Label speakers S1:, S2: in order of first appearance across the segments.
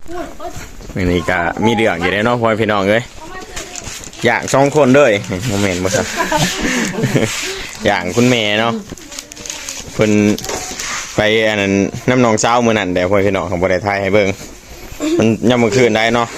S1: นี่ก็มีเรื่องอยู่ในน้องพ่อพี่น้องเลยอย่าง2 คนเลยโมเมนต์บ่ครับ อย่างคุณแม่เนาะเพิ่นไปอันนั้นน้ำหนองเช้ามื้อนั้นแต่พ่อพี่น้องของบ่ได้ถ่ายให้เบิ่งมันยามมื้อคืนได้เนาะ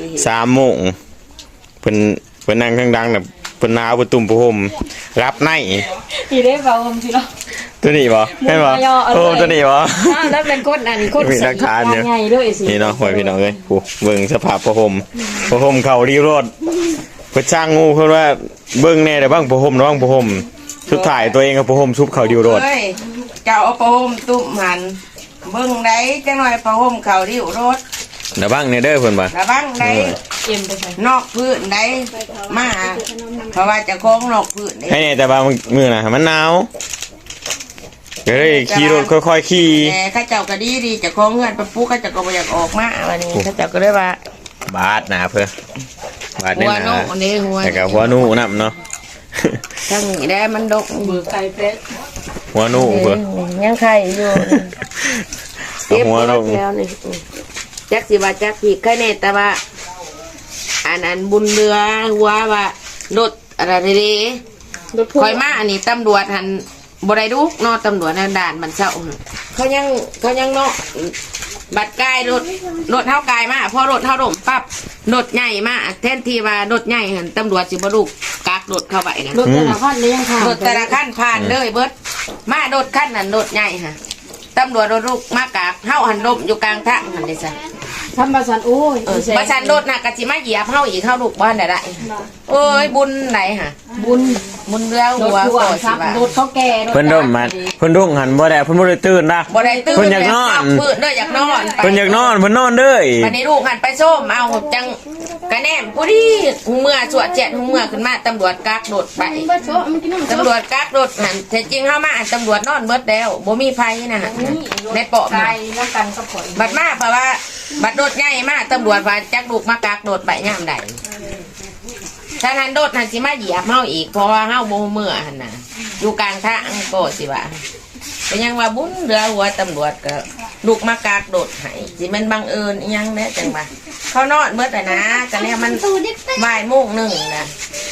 S1: 3 โมงเพิ่นนั่งข้างดังแบบเพิ่นหนาวเพิ่นตุ่มผ้าห่มรับใน
S2: อีเด้บ่ผมสิเนาะ
S1: ตัวนี้บ่เห็นบ่โอ้ตัวนี้บ่
S2: แล้วเป็นคนอันคนมีหลักฐานเนี่ย
S1: นี่เนาะพ่อพี่น้องเอ้ยผู้เบิ่งสภาพผ้าห่มเข้ารีโรดเพิ่นช่างงูเพิ่นว่าเบิ่งแน่ได้บ้างผ้าห่มระวังผ้าห่มสุดท้ายตัวเองก็ผ้าห่มชุบเข้าดิวโรด
S3: เจ้าเอาผ้าห่มตุ้มหันเบิ่งได้จังหน่อยผ้าห่มเข้าดิวโรด
S1: ระวังเนี่ยเด้อเพิ่นบ่
S3: ระวังได้นอกพื้นได้มาเพราะว่าจะโค้งนอกพื้น
S1: ให้แต่บางมื้อน่ะมันหนาวก็เลยขี่รถค่อยๆขี่
S3: แต่ข้าเจ้าก็ดีจะโค้งเงินไปปุ๊กข้าเจ้าก็บ่อยากออกมาวันนี้ข้าเจ้าก็เลยว่า
S1: บาดนะเพื่อบาดเนี่ยนะแต่กับหัวนูน้ำเนาะ
S3: ทั้งนี้ได้มันดก
S2: เบือไก่เป็ด
S1: หัวนูเพื่อ
S3: ยังไข่อยู่
S1: หัวนู
S3: แล้วนี่จักสิว่าจักผีไข่เนตแต่ว่าอันบุญเรือหัวว่ารถอะไรดีคอยมาอันนี้ตำรวจหันบริดุกนอตำรวจในด่านมันเศร้าเขายังเนาะบัดกายรถเท่ากายมาพอรถเท่าดมปั๊บรถใหญ่มาแทนที่ว่ารถใหญ่หันตำรวจสิบดุกกักรถเข้าไปนะ
S2: รถแต่ละขั้นเลยยังผ่าน
S3: รถแต่ละขั้นผ่านเลยเบิดมารถขั้นนั้นรถใหญ่ฮะตำรวจรถลูกมากากเฮาหันดมอยู่กลางทางหันได้ซะ
S2: ทำประชันโอ้ย
S3: ประชันรถน่ะกะสิมาเหยียบเฮาอีกเฮาลูกบ้านได้โอ้ยบุญไหนฮะบุญเรือหัวโตสิว่าร
S2: ถเขาแก่
S1: เพิ่นดมมันเพิ่นรุ่งหันบ่ได้เพิ่นบ่ได้ตื่นนะ
S3: บ่ได้ตื่น
S1: เพิ่นอยากนอน
S3: เพิ่นเด้ออยากนอน
S1: เพิ่นอยากนอนเพิ่นนอนเด้อ
S3: บัดนี้ลูกหันไปส้มเอาจังกะแนมผู้ดีเมื่อสวดเจ็ดเมื่อขึ้นมาตำรวจกักรถไปตำรวจกักรถหันแต่จริงเฮามาตำรวจนอนเบิดแล้วบ่มีไผนะฮะในเปาะมาบัดมาเพราะว่าบัดรถใหญ่มาตำรวจว่าจักลูกมากักรถไปยามใดถ้าทันรถหันสิมาเหยียบเฮาอีกเพราะว่าเฮาบ่เมื่อหั่นน่ะอยู่กลางทางก็สิว่าเป็นยังว่าบุญเรือหัวตำรวจก็ลูกมากากโดดให้สิมันบังเอิญยังแน่จังว่าเขานอนเมื่อแต่นะกันเนี่ยมันบ่ายโมงหนึ่งนะ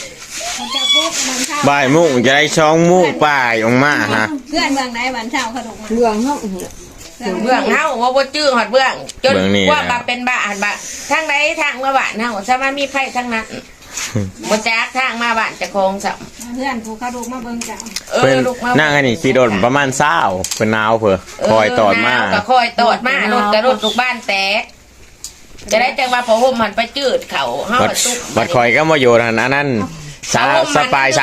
S1: บ่ายโมงจะได้2 โมงป่ายออกมาฮะ
S2: เพื่อนเมืองไหนบ้านเช่าขนมเมืองเฮา
S3: เบื้องเฮาว่าบ่จื้อหอดเบื้องจนว่าบาเป็นบ้าหันบ้าทางใดทางมาบ้านเฮาสามารถมีไผทั้งนั้นบ่จักทางมาบ้านจะคงสับ
S2: เพื่อนผู้เขาดูมาเบิ่งจ้ะ
S1: ลูกมานั่งอันนี้ขี่รถประมาณ20เป็นหนาวเพิ่นคอยตอดมา
S3: ก็คอยตอดมารถกระรถลูกบ้านแตกจะได้จังว่าพอห่มมันไปจืดเขาเฮา
S1: บัดคอยก็มาอยู่อันนั้นสปาย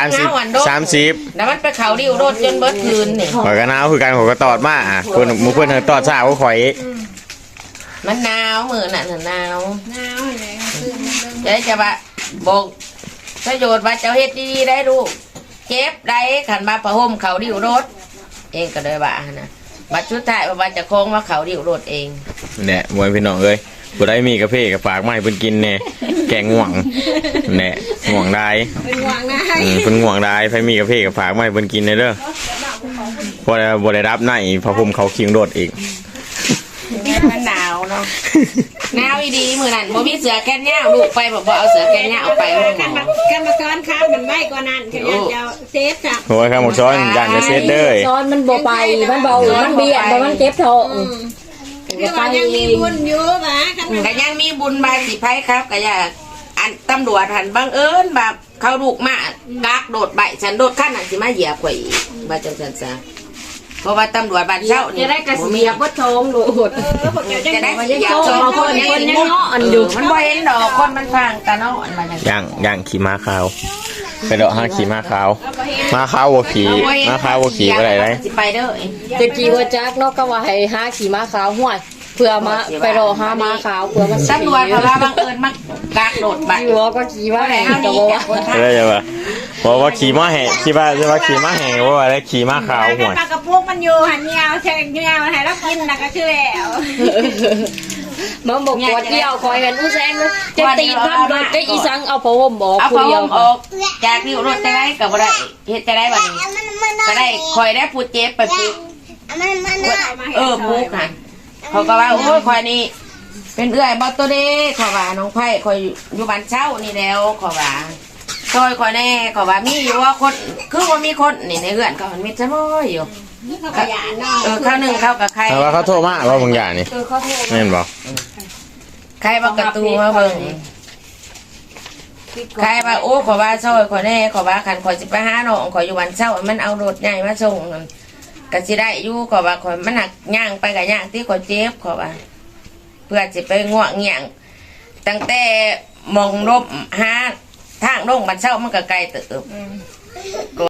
S1: 30
S3: แล้วมันไปเขาดิวรถจนเบิดคืนนี่
S1: ข่อยก็หนาวคือกันข่อยก็ตอดมาเพิ่นหมู่เพิ่นตอดซ่าก็ข่อย
S3: มันหนาวมื้อน่ะหนาวเลยจะว่าบอกประโยชน์ว่าเจ้าเฮ็ดดีๆได้ลูกเจ็บได้ขันมาประห่มเขาดิวรถเองก็เลยว่านะบัดชุดท้ายว่าจะโค้งว่าเขาดิวรถเอง
S1: เนี่ยมวยพี่น้องเอ้ยบ่ได้มีกาแฟกับฝากมาให้เพิ่นกินแน่แกงง่วงเนี่ยง่วงได้
S2: เป็นง่วงได้
S1: เพิ่นง่วงได้ไผมีกาแฟกับฝากมาให้เพิ่นกินเด้อบ่ได้รับในพอผมเขาคิงรถอีก
S3: มันหนาวเนาะหนาวอีดีมื้อนั้นบ่มีเสื้อแขนยาวลูกไปบ่เอาเสื้อแขนยาวไป
S2: กันมาซ้อนครับมันไม่กว่านั้นแค่จะเซฟจ้ะ
S1: โอ้ยครับหมดซ้อนอย่างจะเซฟเด้อ
S2: ซ้อนมันบ่ไปมันเบามันเบียดมันเจ็บท้องก็ยังมีบุญอยู่นะ
S3: ก็ยังมีบุญบายสิไผครับก็อย่าอันตำรวจหันบังเอิญแบบเขาลูกมากักโดดใบฉันโดดขั้นน่ะสิมาเหยียบข่อยว่าจังซั่นซะเพราะว่าตำรวจบ้านเช่านี่
S2: จะได้กระเสียบวัดทองโหด
S3: จะได้เหยียบทองคนยังเนาะอันอยู่มันบ่เห็นดอกคนมันฟังกันเนาะมัน
S1: ย่างขี่ม้าขาวไปดอกห้าขี่ม้าขาวม้าขาววัวขี่ม้าขาววัวขี่อะไรได้
S3: ไปเด้อ
S2: จะขี่วัวจักเนาะก็ว่าให้ห้าขี่ม้าขาวห่วยเพื่อมาไปรอห้าม้าขาวเพื่อมา
S3: ตำรวจเพราะว่าบังเอิญมากักโดดไป
S2: อยู่ก็ขี่ม้าแห่งตัว
S1: ได้ยังไงบอกว่าขี่ม้าแห่ขี่บ้าจะว่าขี่ม้าแห่ว่าอะไรขี่ม้าขาวห่วย
S2: ปลากระปุกมันอยู่หันยาวแทงยาวให้เรากินนะก็คือแล้วมันบอกปวดเดี่ยวคอยกันผู้แซงจะตีพันโดนจะอีสังเอาผ้าห่มบอก
S3: เอาผ้าห่มออกจากนิ้วรถจะได้กับอะไรเฮ็ดจะได้วันนี้จะได้คอยได้พูดเจ็บไปพูดพูกค่ะเขาก็ว่าโอ้ยคอยนี่เป็นเอื้อยบ่ตัวเด้ขอว่าน้องไผ่คอยอยู่บ้านเช่านี่แล้วขอว่าซอยคอยแน่ขอว่ามีอยู่ว่าคนคือว่ามีคนนี่ในเรือนเขามันมีจะม้อยอยู่ข้าวหนึ่งข้าวกับใคร
S1: แต่ว่าเขาโทรมาว่าบางอย่างนี่
S3: เขาโทร
S1: แม่นบ่
S3: ใครบ่กระตูมาเบิ่งใครว่าโอ้ขอว่าซอยคอยแน่ขอว่าคันคอยสิไปหาน้องขอยอยู่บ้านเช่ามันเอารถใหญ่มาส่งก็สิได้อยู่ขอว่าขอยมันหนักย่างไปกับย่างที่ขอยเจ็บขอว่าเพื่อจะไปง่วงเงี่ยงตั้งแต่มองลบหาทางลงบ้านเช่ามันก็ไกลเติบ